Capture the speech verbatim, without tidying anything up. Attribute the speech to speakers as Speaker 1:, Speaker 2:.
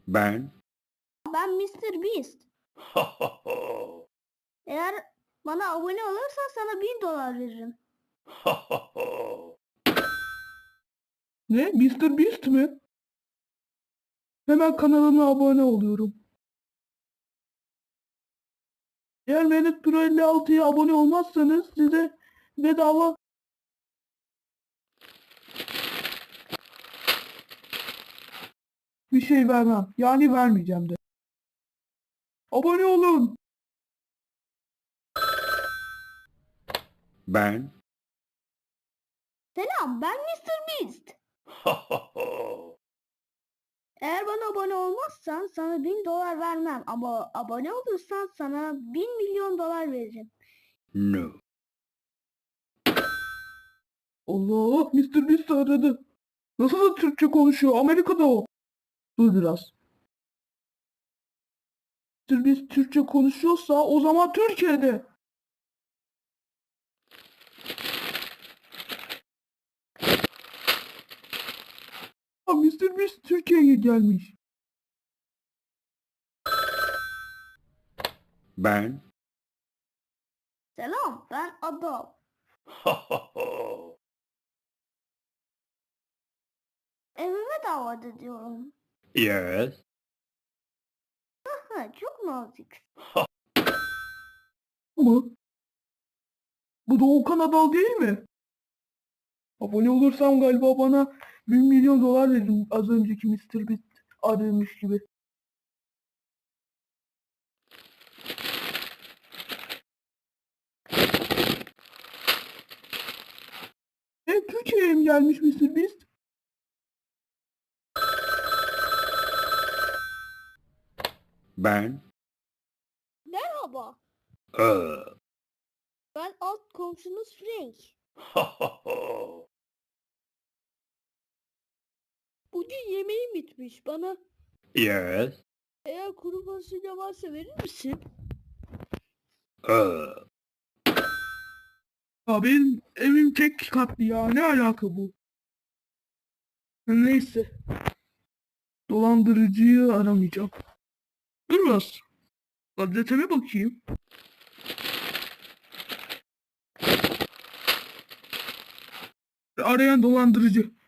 Speaker 1: Ben.
Speaker 2: Ben mister Beast. Eğer bana abone olursan sana bin dolar veririm.
Speaker 3: Ne? mister Beast mi? Hemen kanalına abone oluyorum. Eğer Mehmet Pro elli altıya abone olmazsanız size bedava bir şey vermem. Yani vermeyeceğim de. Abone olun.
Speaker 1: Ben.
Speaker 2: Selam, ben mister Beast. Eğer bana abone olmazsan sana bin dolar vermem. Ama abone olursan sana bin milyon dolar veririm.
Speaker 1: No.
Speaker 3: Allah, mister Beast aradı. Nasıl da Türkçe konuşuyor? Amerika'da o. Dur biraz. mister Beast Türkçe konuşuyorsa o zaman Türkiye'de. Ha, mister Beast Türkiye'ye gelmiş.
Speaker 1: Ben.
Speaker 2: Selam, ben Adam. Evime davet ediyorum.
Speaker 1: Yes.
Speaker 2: Ha, çok nazik.
Speaker 3: Ama bu Doğukan Adal değil mi? Abone olursam galiba bana bir milyon dolar verin az önceki mister Beast aramış gibi. E, Türkiye'ye mi gelmiş mister Beast?
Speaker 1: Ben.
Speaker 2: Merhaba,
Speaker 1: Uh.
Speaker 2: ben alt komşunuz Frank. Bugün yemeğim bitmiş. Bana
Speaker 1: Yes.
Speaker 2: eğer kuru fasulye varsa verir misin?
Speaker 1: Uh.
Speaker 3: Ya benim evim tek katlı ya, ne alaka bu? Neyse. Dolandırıcıyı aramayacağım. Dur biraz. Gazeteme bakayım. Arayan dolandırıcı.